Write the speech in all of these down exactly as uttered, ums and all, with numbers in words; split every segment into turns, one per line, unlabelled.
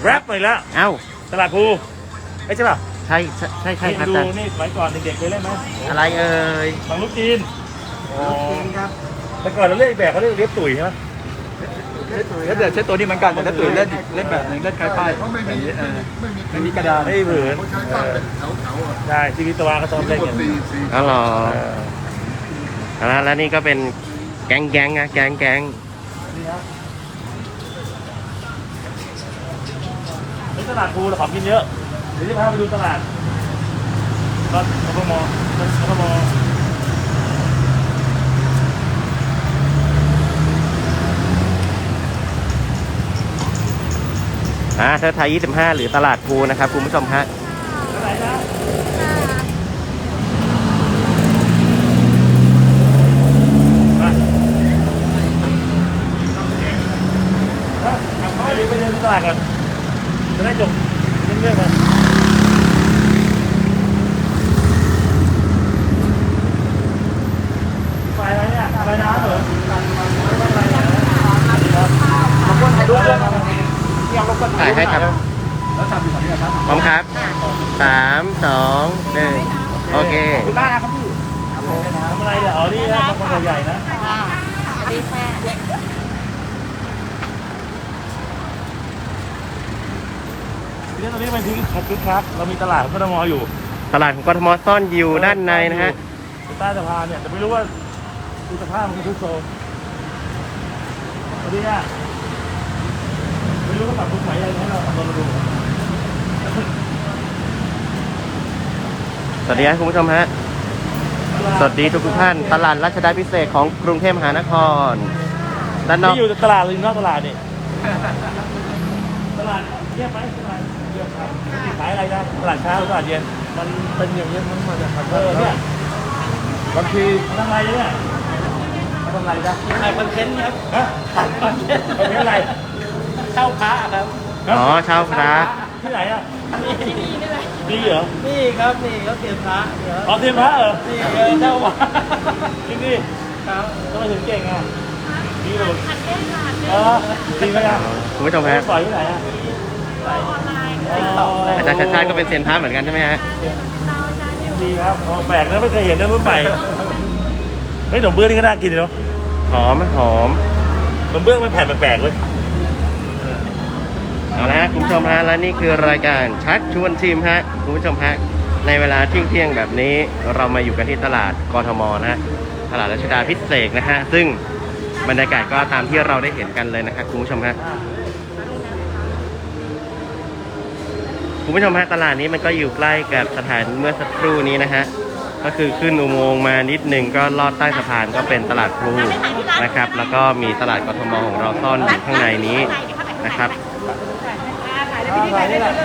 แรปหน่อยแล้ว
เอ้า
ตลาดภูไม่ใช่ป่ะ
ใช่ใช่ใช่ใช่ครับ
ดู
อาจารย์
นี่สมัยก่อนเด็กๆเคยเล่นไหม
อะไรเอ่ย
บางลูกจีน
อ๋อครับ
แต่ก่อนเราเล่นแบบเขาเรียกเลียบตุ๋ยใช่ไหม
แล้วเดี๋ยวใช้ตัวนี้เหมือนกันแต่ถ้าตุ๋ยเล่นเล่นแบบนึงเล่นคล้ายป้ายแบบนี้เออไม่มีกระดาษ
ไม่มีผืนใช่ชีวิตตะวันก็ชอบเล่นกัน
อ๋อเหรอแล้วแล้วนี่ก็เป็นแก๊งแก๊งนะแก๊งแก๊ง
นี่ครับนี่ตลาดภูเราของกินเยอะเดี๋ยวจะพาไปดูตลาดตอนกทมกทม
อ่าเธอไทยยี่สิบห้าหรือตลาดภูนะครับคุณผู้ชมฮะ
อะไรนะไปเดี๋ยวไปเดินตลาดก่อนจะได้จบเรื่องๆกันไปอะไรเนี่ยไปน้ำเหรอมาคนถ่ายรูปด้วย
ถ่ายให้ครับ
แล้วทำอยู่ฝั่งนี้ครับ
พร้อมครับสามสองหนึ่งโอเค
คุณบ้านนะครับพี่
ทำอะไรเนี่ยอ๋อนี่นะบางคนใหญ่นะ
สวัสดีค่ะ
ทีนี้ตอนนี้มันทิ้งคัดคึกคักเรามีตลาดของกทมอยู่
ตลาดของกทมซ่อนอยู่ด้านในนะฮะ
ใต้สะพานเนี่ยแต่ไม่รู้ว่าดูสภาพมันคือทุกโซนสวัสดีอ่ะไม่รู้ว่าปรับปรุงไหนอะไรให้เราทำเราดู
สวัสดีครับคุณผู้ชมฮะสวัสดีทุกทุกท่านตลาดรัชดาพิเศษของกรุงเทพมหานครด้านนอก
ที่อยู่ตลาดหรือนอกตลาดนี่ตลาดเงียบไหมตลาดเงียบครับขายอะไรนะตลาดเช้าหรือตลาดเย็น
มันเป็นอย่างนี้มันมาจากขัน
เออเนี่ย
บางที
ทำอะไรเนี่ยทำอะไรจ๊ะ
ถ่ายคอนเทนต์ครับ
ฮะถ่ายคอนเทนต์คอนเทนต์อะไร
เช่าพระครับ
อ๋อเช่าพระ
ที่ไหนอ่ะ
ที่นี่นี่แหละ
นี่เหรอ
นี่ครับนี่เขาเตรียมพระเดี๋ยว
อ๋อเตรียมพระเหรอ
นี่เช่าพระ
ที่นี่
ครับ
ทำไมถึงเก่งอ่ะนี่เลย
หัดเล่นค่ะ
เออจริงไหมครับ
คุณผู้ชมฮะ
ปล่อยที่ไหนอ่ะ
ออนไลน์
อาจารย์ชัดชาติก็เป็นเซียนพระเหมือนกันใช่ไหมฮะ
ดีครับแปลกนะไม่เคยเห็นนะรุ่นใหม่เฮ้ยขนมเบื้องนี่ก็น่ากินเนาะ
หอมหอม
ขนมเบื้องมันแผ่นแปลกๆเลย
เอาละฮะคุณผู้ชมฮะและนี่คือรายการชักชวนชิมฮะคุณผู้ชมฮะในเวลาเที่ยงเที่ยงแบบนี้เรามาอยู่กันที่ตลาดกทมนะฮะตลาดรัชดาพิเศษนะฮะซึ่งบรรยากาศก็ตามที่เราได้เห็นกันเลยนะครับคุณผู้ชมฮะคุณผู้ชมฮะตลาดนี้มันก็อยู่ใกล้กับสถานเมื่อสักครู่นี้นะฮะก็คือขึ้นอุโมงค์มานิดหนึ่งก็ลอดใต้สะพานก็เป็นตลาดพลูนะครับแล้วก็มีตลาดกทมของเราซ่อนอยู่ข้างในนี้นะครับ
ถ่ายนี่แหละ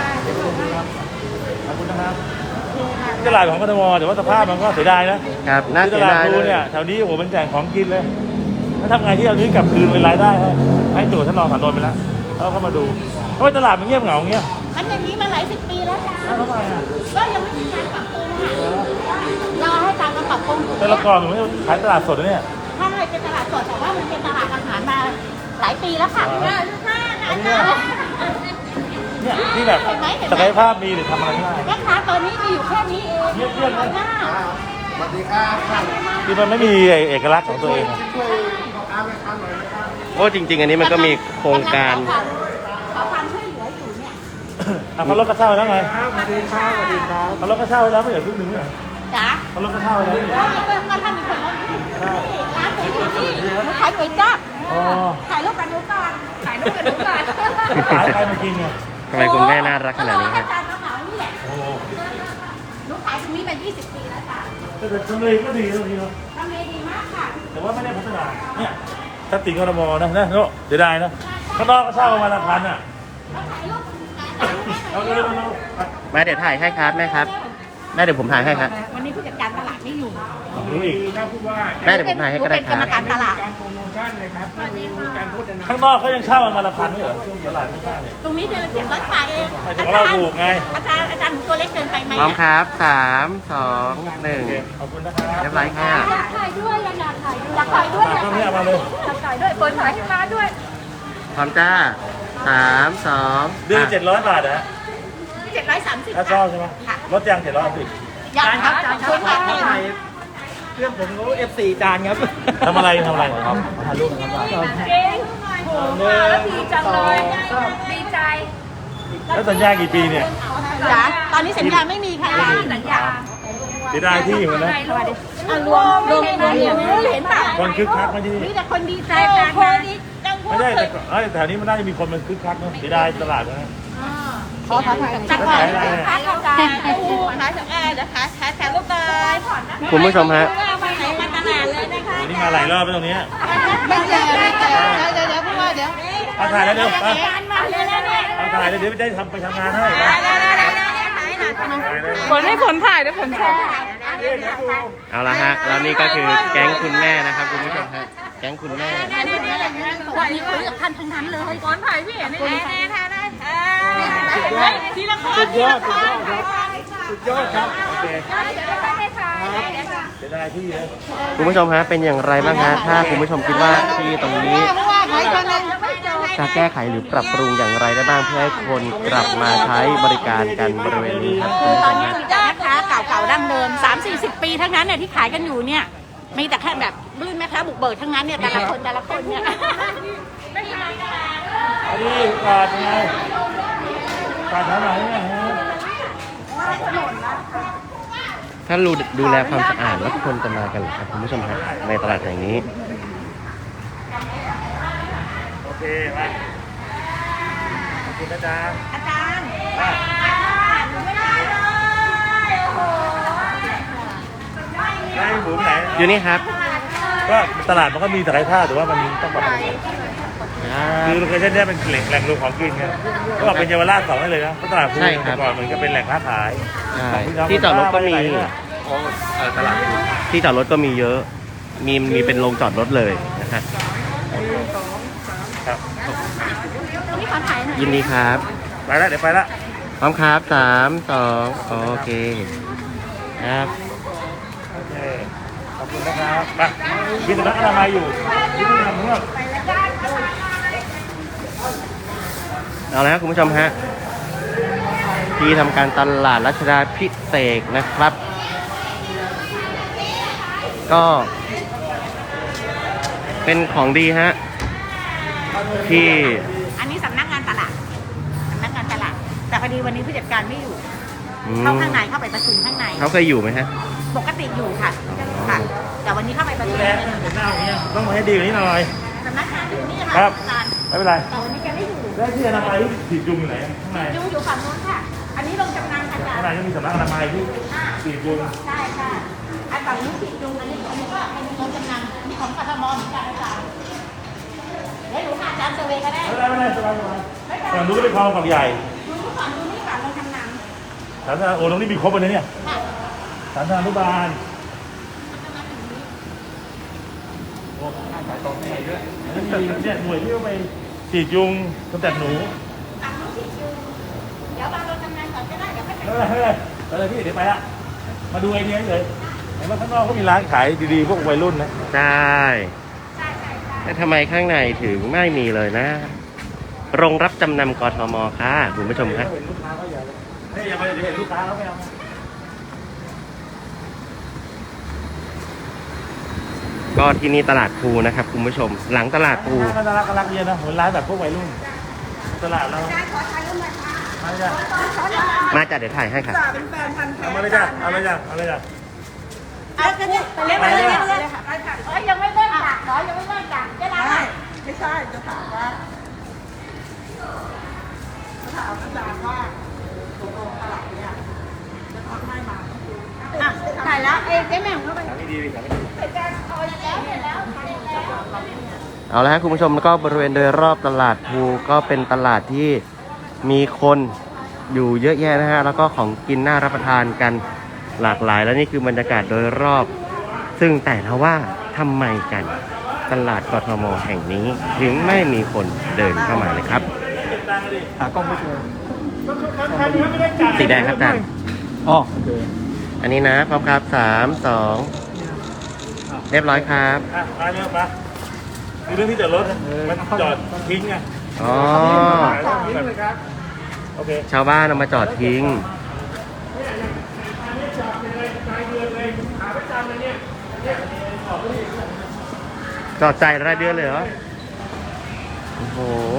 ขอบคุณนะครับตลาดของกทมแต่ว่าสภาพมันก็เสียดายนะครับ
น่าเสียดาย
เลยเนี่ยแถวนี้โอ้โหเป็นแจกของกินเลยถ้าทำไงที่เอานี้กลับคืนเป็นรายได้ให้ให้ตัวท่านรองสารนนท์ไปแล้วเขาเข้ามาดูทำไมตลาดมันเงียบเหงาเงี้ย
มันอย่างนี้มาหลายสิบปีแล้วค่ะ
ทำไมอ่ะ
ก็ยังไม่มีการปรับปรุงค่ะรอให้การมาปรับปรุง
แต่ละก่อนมันไม่ขายตลาดสดเนี่ย
ใช่เป็นตลาดสดแต่ว่ามันเป็นตลาดอาหารมาหลายปีแล้วค่ะค่ะ
เนี่ยที่แบบศักยภาพมีหรือทำอะไรไม่ได้
แม่ค้าตอนนี้มีอยู่แค่นี้เอง
เงียบเงียบเลย
สวัสดีครับ
คือมันไม่มีเอกลักษณ์ของตัวเอง
โอ้จริงๆอันนี้มันก็มีโครงการ
ขอความช่วยเหลืออยู่เนี่ย
เขาลดกระเช้าแล้วไง
สวัสดีครับสวัสดีครับ
เขาลดกระเช้าแล้วไม่เหลือครึ่งหนึ่งเลย
จ้ะ
เขาลดกระเช้าแล้ว
ก็ถ้ามีคนลดร้านก๋วยเตี๋ยวที่ขายก๋วยจั๊บถ่ายรูปกันดูก่อนถ่ายรูปกันดูก่อน
ขายใครมากินเนี่ย
ทำไมคุณแม่น่ารักขนาดนี้ครับ
ลูกขายตรงนี้มายี่สิบปีแล้วจ้ะ
แต่ทำเลก็ดีตรงนี้เนาะ
ทำเลดีมากค่ะ
แต่ว่าไม่ได้พัฒนาเนี่ยถ้าติ่งกทมนะนะเนาะเสียดายนะข้างนอกก็เช่าประมาณละพันอ่ะเอาเร็วๆ
แม่เดี๋ยวถ่ายให้ครับแม่ครับแม่เดี๋ยวผมถ่ายให้ครับ
วันนี้ผู้จัดการตลาดไม่อยู่
รู้อีก
แม่เดี๋ยวผมถ่ายให้ก็ได้ครับ
เป็นกรรมการตลาด
ข้างนอกเขายังเช่าประมาณละพันไม่เหรอช่วงตลาดไม่ใช่เลย
ตรงนี้เดินเสียบรถไฟเอง
อาจารย์เราถูกไง
อาจารย์อาจารย์ตัวเล็กเกินไปไหม
พร้อมครับสามสองหนึ่ง
ขอบคุณนะครับ
เรียบร้อยค่ะ
ถ่ายด้วยอยากถ่ายด้วยอยากถ่ายด้วยอยากถ่ายด้วยอยากถ่ายด้วยเปิดถ่ายให้มาด้วย
พร้อมจ้าสามสอง
เดือนเจ็ดร้อยบาทนะ
เจ็ดร้อยสามสิบ
ถ้าชอบใช่ไหมลดยังเจ็ดร้อยสิบ
ยังครับจานครับ
ถ่ายเพื่อนผมเขาเอฟซีจานครับ
ทำอะไรทำอะไรครับ
ถ่ายรูปนะครับ
เก่งโหมาแล้วดีจังเลยดีใจ
แล้วสัญญากี่ปีเนี่ย
จ๋าตอนนี้สัญญาไม่มีค่ะสัญญา
เสียดายที่อยู่นะ
อ่ะรวมรวมรวมเห็นป่ะ
คนคึกคักไหมที่นี่
มีแต่คนดีใจกันคนดีจัง
ไม่ได้แต่เอ้ยแถวนี้มันน่าจะมีคนมันคึกคักนะเสียดายตลาดนะ
ขอถ่ายจังหวะขายของกันขายของแอร์นะคะขายแถวลูกเลย
คุณผู้ชมฮะ
ไปไหนมาตลาดเลยนะคะ
วันนี้มาหลายรอบแล้วตรงนี้
ไม่เจอไม่เจอเดี๋ยวเดี๋ยวพูดว่าเดี๋ยว
เอาถ่ายแล้วเดี๋ยวไป
มาเลยนะเนี่ย
เอาถ่ายแล้วเดี๋ยวได้ทำไปทำงานให้
ผลให้ผลถ่ายด้วยผลแชร์
เอาละฮะแล้วนี่ก็คือแก๊งคุณแม่นะครับคุณผู้ชมฮะแก๊งคุณแม่
วันนี้คุยกับท่านทั้งนั้นเลยผลถ่ายพี่เห็นได้แน่ๆค่ะได้ทีละคน
สุดยอดสุดยอดครับสุดยอดครับ
โอเค
เดี๋ยวได้ให้ถ่าย
เสียดายที่นะ
คุณผู้ชมฮะเป็นอย่างไรบ้างฮะถ้าคุณผู้ชมคิดว่าที่ตรงนี้
เพราะว่าขายคนนึง
จะแก้ไขหรือปรับปรุงอย่างไรได้บ้างเพื่อให้คนกลับมาใช้บริการกันบริเวณนี้ครับคุณผู้
ต
ช
อน
ม
นี้
ฮะ
มีแต่แม่ค้าเก่าๆดั้งเดิม สามสี่สิบ ปีทั้งนั้นเนี่ยที่ขายกันอยู่เนี่ยมีแต่แค่แบบรุ่นแม่ค้าบุกเบิกทั้งนั้นเนี่ยแต่ละคนแต่ละคนเนี่ย
อันนี้กาดยังไงกาดแถวไหนเนี่ยฮะ
ถ้าดูดูแลความสะอาดแล้วทุกคนจะมากันเหรอครับคุณผู้ชมฮะในตลาดแห่งนี้
โอเคมาขอบคุณนะจ๊ะ
อาจารย์
อ่ะ
ไม่ได้เลยโอ้โห
ได้หมูไปไหน
อยู่นี่ครับ
ก็ตลาดมันก็มีศักยภาพแต่ว่ามันต้องปรับปรุงคือโลเคชั่นเนี้ยเป็นแหล่งแหล่งรวมของกินไงก็บอกเป็นเยาวราชสองได้เลยนะเพราะตลาดภู
ใช่ครับ
แต่ก่อนมันก็เป็นแหล่งค้าขาย
ใช่
ของ
ที่จอดรถก็มี
โอ้เออตลาดภู
ที่จอดรถก็มีเยอะ มีมีเป็นโรงจอดรถเลยนะฮะ
ครับ
นี่ขอถ่ายหน่อย
ยินดีครับ
ไปแล้วเดี๋ยวไปละ
พร้อมครับสามสองโอเคครับ
โอเคขอบคุณนะครับไปมีสำนักอนามัยอยู่ที่นี่ทำเมื่อ
เอาละครับคุณผู้ชมฮะที่ทำการตลาดรัชดาพิเศษกนะครับ ก็ เป็นของดีฮะที่
อันนี้สำนักงานตลาดสำนักงานตลาดแต่พอดีวันนี้ผู้จัดการไม่อยู่
อืม
เข้าข้างในเข้าไปประชุมข้างใน
เขาเคยอยู่ไหมฮะ
ปกติอยู่ค่ะค่ะ แต่วันนี้เข้าไปประชุม
แรงเห็นหน้าอย่างเงี้ยต้องมาให้ดีกว่านี้หน่อย
สำนักงานอยู่นี่
ครั
ค่ะ
บ
อาจารย์
ไม่เป็นไร
แต่วันนี้แกไม่อยู่
แล้วที่อนามัยที่ฉีดยุงอยู่ไหนข้างใน
อยู่อยู่ฝั่งนู้นค่ะ อันนี้ลงจำนำค่ะอาจาร
ข้างใน
ย์
ก็มีสำนักอนามัยที่ฉีดยุง
ใช่ค่ะอันฝั่งนู้นติดยุงอันนี้อันนี้ก็เป็นลงจำนำนี่ของกทมเหมือนกันอาจารย์เดี๋ยวหนูหาอาจารย์เซอร์เวย์ก็ได้
ไม่เป็นไรไม่เป็นไรสบายสบายฝั่งนู้นก็เป็นคลองฝั่งใหญ่
ดูนี่ฝั่งดูนี่ฝั่งลงจำนำ
สาธารณโอ้ตรงนี้มีครบเลยเนี่ย
ค่ะ
สาธารณุบาลอันนี้มีเนี่ยหน่วยที่เอาไปฉีดยุงกำจัดหนู
ฝั่งนู้นติดยุงเดี๋ยวบางลงจำนำก่อนก็ได้เดี๋ยวก็จะ
ไม่เป็นไรไม่เป็นไรไปเลยพี่เดี๋ยวไปละมาดูไอเดียเลยเห็นว่าข้างนอกเขามีร้านขายดีๆพวกวัยรุ่นนะ
ใช่
ใช่ใช่ใช่
แต่ทำไมข้างในถึงไม่มีเลยนะ โรงรับจำนำกทมค่ะคุณผู้ชมครับ
เห็นลูกค้าเขาอย่าเลยเฮ้ยอย่าไปเดี๋ยวเห็นลูกค้าเขาไม่เอา
ก็ที่นี่ตลาดภูนะครับคุณผู้ชม หลังตลาดภู
ก็น่ารักน่ารักเย็นนะเหมือนร้านแบบพวกวัยรุ่นตลาดเรามาเลยจ้ะ
มาจัดเดี๋ยวถ่ายให้ค่ะ
เอามาเลยจ้ะเอาเลยจ้ะเอาเลยจ้ะ
เอาจะเนี่ยไปเล่นไปเล่นไปเล่นค่ะเอ้ยยังไม่เล่นจ้ะเหรอยังไม่เล่นจ้ะเวลาไหน
ไม่ใช่จะถามว่าจะถามอาจารย์ว่าตกลงตลาดเนี่ยจะทำให้มา
อ่ะถ่ายแล้วเอ้ยเจ๊แม่งเข้าไป
ถามไม่ดีถามไม่ดี
เสร็จแล้วเอาแล้วเสร็จแล้วเสร็จแล้ว
เอาละครับคุณผู้ชมแล้วก็บริเวณโดยรอบตลาดภูก็เป็นตลาดที่มีคนอยู่เยอะแยะนะฮะแล้วก็ของกินน่ารับประทานกันหลากหลาย และนี่คือบรรยากาศโดยรอบ ซึ่งแต่ละว่าทำไมกันตลาดกทมแห่งนี้ถึงไม่มีคนเดินเข้ามาเลยครับ
หากล้องไม่เจอ
สีแดงครับอาจารย์
อ๋อโอเค
อันนี้นะพร้อมครับสามสองเรียบร้อยครับ
อ่ะมาเยอะมาคือเรื่องที่จอดรถนะมันจอดทิ้งไง
อ๋อ
ทิ้งเลยครับโอเค
ชาวบ้านเอามาจอดทิ้ง จอดใจรายเดือนเลยเหรอ โอ้โห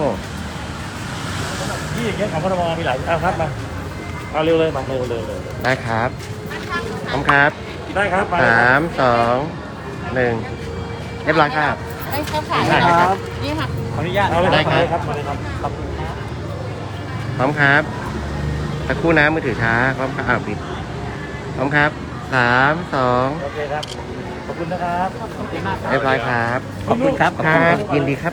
ที่อย่างเงี้ยของพทมมีหลายเอาครับมาเอาเร็วเลยมาเร็วเร็วเร็ว
ได้ครับพร้อมครับ
ได้ครับไป
สามสองหนึ่งเรียบร้อยครับ
ได้เข้าขาย
ได้ครับ
นี่ค่ะ
ขออนุญาต
เอาเลย
ได้ครับ
ครับมาเลยครับครับ
พร้อมครับตะครู่น้ำมือถือช้า พร้อมครับอ้าวปิด พร้อมครับสามสอง
โอเคครับขอบคุณนะครับ
เรียบร้อยครับ
ขอบคุณครับขอบ
ค
คุณ
รั
ครับ บ
ยินดีครับ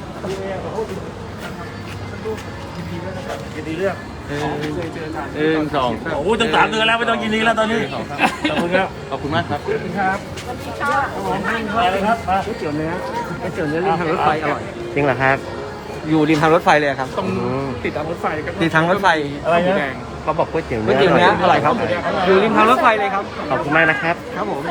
ยินดีเรื่อง
หนึ่งสอง
โอ้โหตั้งสามเดือนแล้วไม่ต้องยินดีแล้วตอนนี้ขอบคุณครับ
ขอบคุณมากครับ
ขอบคุณครับมาเลยครับมา
ก๋วยเตี๋ยวเนื้อก๋วยเตี๋ยวเนื้อริมทางรถไฟอร่อย
จริงเหรอครับ
อยู่ริมทางรถไฟเลยครับ
อืม
ติดทางรถไฟติดทางรถไฟ
อะไรนะ
เขาบอกก๋วยเตี๋ยว
ก๋วย
เนื้อ
เตี๋ยวเนื้ออร่อยครับ อยู่ริมทางรถไฟเลยครับ
ขอบคุณมากนะครับ
ครับผม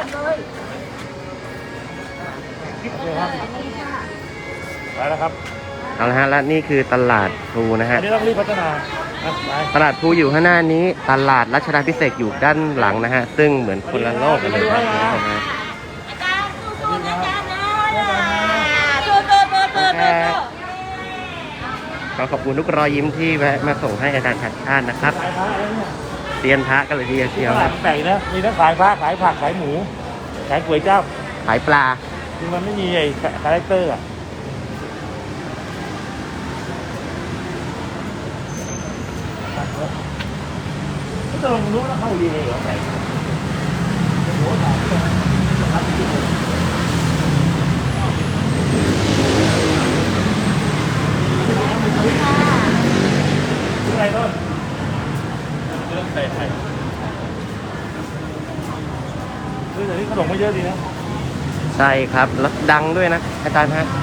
ไปแล้วครับ
เอาละฮะ และนี่คือตลาดพลูนะ
อั
ฮะ
นนี้ต้องรีบพัฒนาอ่ะไป
ตลาดพลูอยู่ข้างหน้านี้ ตลาดรัชดาภิเษกอยู่ด้านหลังนะฮะ ซึ่งเหมือนคนละโลกกันเลยนะคุณผู้ชมฮะ
อาจารย์สู้ๆนะอาจารย์นะสู้ๆสู้ๆสู้ๆสู้ๆ
ขอขอบคุณทุกรอยยิ้มที่แวะมาส่งให้อาจารย์ชัดชาตินะครับ
ขายพระอะไรเนี่ย
เตียนพระกันเลยทีเดียวเชียว
ตลา
นะ
ดแปลกนะมีทั้งขายพระขายผักขายหมู ขายก๋วยจั๊บ
ขายปลา
คือมันไม่มีไอ้คาแรคเตอร์อ่ะไม่ต้องรู้แล้วเข้าดีเลยเหรอไก่โอ้โหหอมเลยครับชื่ออะไรต้นเรื่องใส่ไข่คือแต่นี่ขนมไม่เยอะดีนะ
ใช่ครับ แล้วดังด้วยนะ อาจารย์ฮะ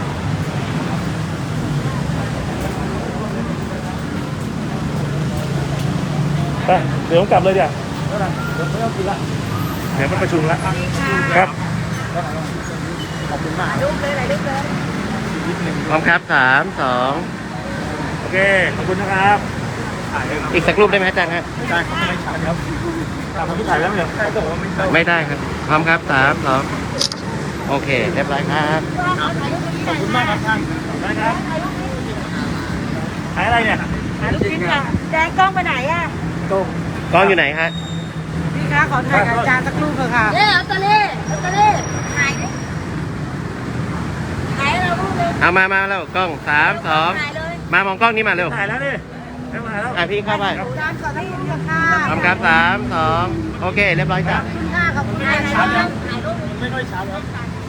ไปเดี๋ยวผมกลับเลยเดี๋ยวเดี๋ยวไม่ต้องกินละเดี๋ยวมันประชุมละครับ
ขอบคุณมาก
ลูกเลยไหนลูกเลย
พร้อมครับสามสอง
โอเคขอบคุณนะครับ
อีกสักรูปได้ไหมอาจารย์ฮะ
ได้ครับไม่ช้าครับ
ตามมาที่ถ่ายแล้วเนี่ยเขาบอกว่าไม่ใช่
ไม่ได้ครับ พร้อมครับสามสองโอเค เรียบร้อยครับ
ขอบคุณมากครับท่านได้ครับขายอะไรเนี่ย
หาลูกชิ้นค่ะแดงกล้องไปไหนอ่ะ
ต้ม
กล้องอยู่ไหนฮะ
พี่คะขอถ่ายกับอาจารย์สักรูปเถอะค่ะ
เอ๊ะลอตเตอรี่ลอตเตอรี่ขายดิขายเราลูกเลย
เอามามาแล้วกล้องสามสอง
ขายเลย
มามองกล้องนี้มาเร็ว
ถ่ายแล้วนี่ไม่มาแล้ว
อ่ะพี่เข้าไป
อาจารย์ขอสักรูปเถอะค่ะ
พร้อมครับสามสองโอเค เรียบร้อยจ้ะ
ค่ะขอบคุณ
ขาย
ค่ะ
เลยขายลูก
ไม่ค่อยช้าแล้ว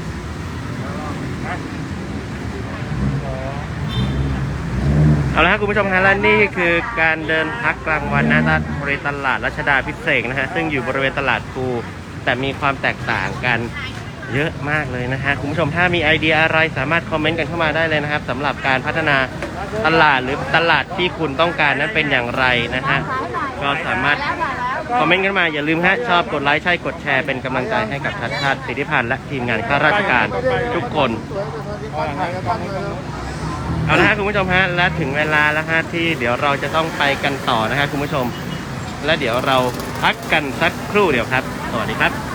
เอาละครับคุณผู้ชมฮะและนี่คือการเดินพักกลางวันหน้าบริเวณตลาดรัชดาภิเษกนะฮะซึ่งอยู่บริเวณตลาดพลูแต่มีความแตกต่างกันเยอะมากเลยนะฮะคุณผู้ชมถ้ามีไอเดียอะไรสามารถคอมเมนต์กันเข้ามาได้เลยนะครับสำหรับการพัฒนาตลาดหรือตลาดที่คุณต้องการนั้นเป็นอย่างไรนะฮะก็สามารถคอมเมนต์กันมาอย่าลืมฮะชอบกดไลค์ใช่กดแชร์เป็นกำลังใจให้กับชัดชาติสิทธิพันธ์และทีมงานข้าราชการทุกคน เอาละฮะคุณผู้ชมฮะและถึงเวลาแล้วฮะที่เดี๋ยวเราจะต้องไปกันต่อนะฮะคุณผู้ชม และเดี๋ยวเราพักกันสักครู่เดียวครับ สวัสดีครับ